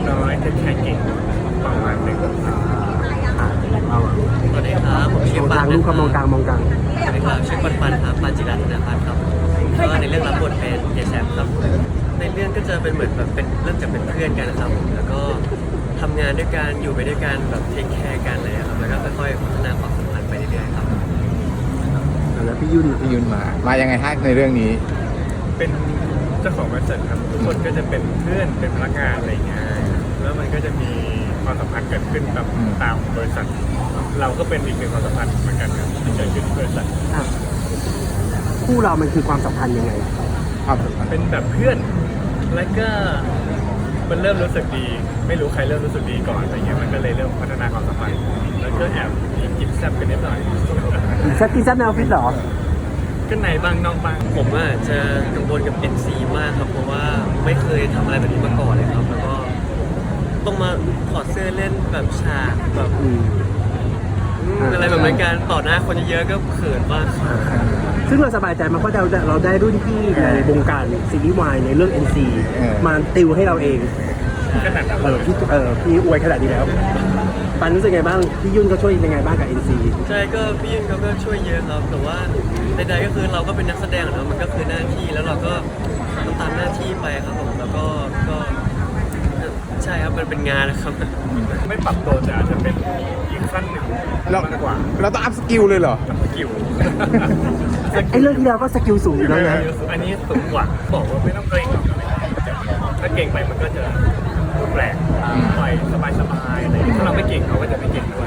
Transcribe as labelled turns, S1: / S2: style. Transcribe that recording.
S1: น้อยเทคแคร์เก่งประมาณหนึ่ง
S2: เรา
S3: สวัสดีครับผมชื่อ
S2: มอง
S3: ปั
S2: กลาง
S3: น
S2: ลูกครับมองกลางมองกลาง
S3: สวัสดีครับชื่อปันครับปันจิรัตนพัฒน์ครับก็ในเรื่องรับบทเป็นเยแซมครับในเรื่องก็จะเป็นเหมือนแบบเป็นเริ่มจากเป็นเพื่อนกันนะครับแล้วก็ทำงานด้วยกันอยู่ไปด้วยกันแบบเทคแคร์กันเลยครับแล้วก็ค่อยๆพัฒนาความสัมพันธ์ไปเรื่อยๆครับ
S2: แล้วพี่ยุ่น
S4: พี่ยุนมายังไงฮะในเรื่องนี้
S1: เป็นเจ้าของบริษัทครับทุกคนก็จะเป็นเพื่อนเป็นพนักงานอะไรอย่างเงี้ยแล้วมันก็จะมีความสัมพันธ์เกิดขึ้นแบบตามบริษัท เราก็เป็นอีกหนึ่งความสัมพันธ์เหมือนกันครับที่เกิดขึ้นที่บริษัท
S2: อ่ะคู่เรามันคือความสัมพันธ์ยังไง
S4: ครับ
S1: เป็นแบบเพื่อนแล้วก็มันเริ่มรู้สึกดี ไม่รู้ใครเริ่มรู้สึกดีก่อนอะไรเงี้ยมันก็เลยเริ่มพัฒนาความสัมพันธ์แล้วก็แอบมีกินแซ่บกันนิดหน่อย
S2: แซกกี้แซกแนวฟิตเหรอ
S1: ก็ในบางนอกบาง
S3: ผมอ่ะจะกังวลกับ NC มากครับเพราะว่าไม่เคยทำอะไรแบบนี้มาก่อนเลยครับแล้วก็ต้องมาถอดเสื้อเล่นแบบฉากแบบ
S2: อืม
S3: อะไรแบบนั้นการต่อหน้าคนเยอะๆก็เขินมากครับ
S2: ซึ่งเราสบายใจมากเพราะเราได้รุ่นพี่ในวงการซีรีส์วายในเรื่อง NC มาติวให้เราเอง
S1: ขนาดนั้น
S2: พี่อวยขนาดนี้แล้วปันรู้สึกไงบ้างพี่ยุ่นก็ช่วยยังไงบ้างกับ NC
S3: ใช่ก็พี่ยินเขาก็ช่วยเยอะครับแต่ว่าใดๆก็คือเราก็เป็นนักแสดงอะเนาะมันก็คือหน้าที่แล้วเราก็ต้องตามหน้าที่ไปครับผมแล้วก็ใช่ครับมันเป็นงานนะครับ
S1: ไม่ปรับตัวแต่อาจจะเป็นอีกขั้นหนึ่ง
S4: เรา
S1: มากกว่า
S4: เราต้องอัพสกิลเลยเหรอ
S1: สกิล
S2: ไอ้เรื่องที่แล้วก็สกิลสูงอยู่แล้วนะ
S1: อันนี้สูงกว่าบอกว่าไม่ต้องเกรงหรอกถ้าเก่งไปมันก็จะแปลกปล่อยสบายๆอะไรอย่างเงี้ยถ้าเราไม่เก่งเขาก็จะไม่เก่งด้วย